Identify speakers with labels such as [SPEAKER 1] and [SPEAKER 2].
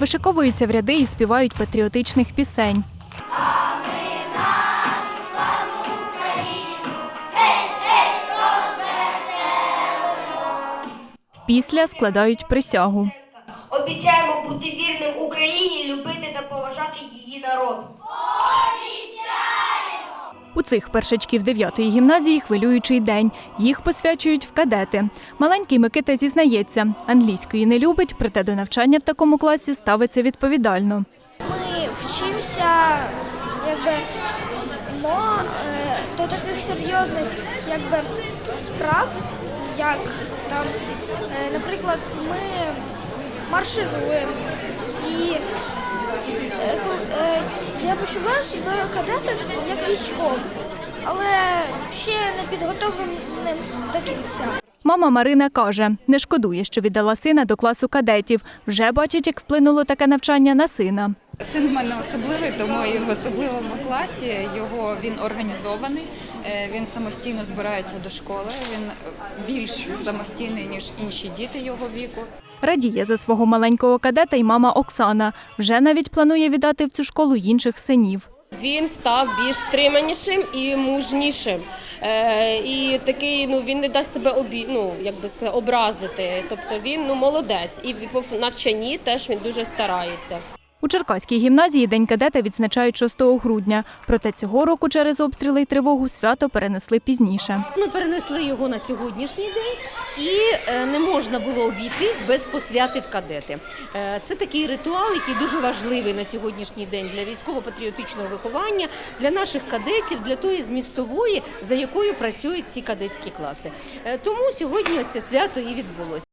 [SPEAKER 1] Вишиковуються в ряди і співають патріотичних пісень. Після складають присягу.
[SPEAKER 2] Обіцяємо бути вірним Україні, любити та поважати її народ.
[SPEAKER 1] У цих першачків 9-ї гімназії хвилюючий день. Їх посвячують в кадети. Маленький Микита зізнається, англійської не любить, проте до навчання в такому класі ставиться відповідально.
[SPEAKER 3] Ми вчимося до таких серйозних справ, як там, наприклад, ми маршируємо. І я почуваю себе кадетом як військовим, але ще не підготовленим до кінця.
[SPEAKER 1] Мама Марина каже, не шкодує, що віддала сина до класу кадетів. Вже бачить, як вплинуло таке навчання на сина.
[SPEAKER 4] Син в мене особливий, тому і в особливому класі він організований, він самостійно збирається до школи, він більш самостійний, ніж інші діти його віку.
[SPEAKER 1] Радіє за свого маленького кадета й мама Оксана. Вже навіть планує віддати в цю школу інших синів.
[SPEAKER 5] Він став більш стриманішим і мужнішим. І такий, він не дасть себе образити. Тобто він молодець. І по навчанні теж він дуже старається.
[SPEAKER 1] У Черкаській гімназії День кадета відзначають 6 грудня. Проте цього року через обстріли й тривогу свято перенесли пізніше.
[SPEAKER 6] Ми перенесли його на сьогоднішній день і не можна було обійтись без посвяти в кадети. Це такий ритуал, який дуже важливий на сьогоднішній день для військово-патріотичного виховання, для наших кадетів, для тої змістової, за якою працюють ці кадетські класи. Тому сьогодні ось це свято і відбулося.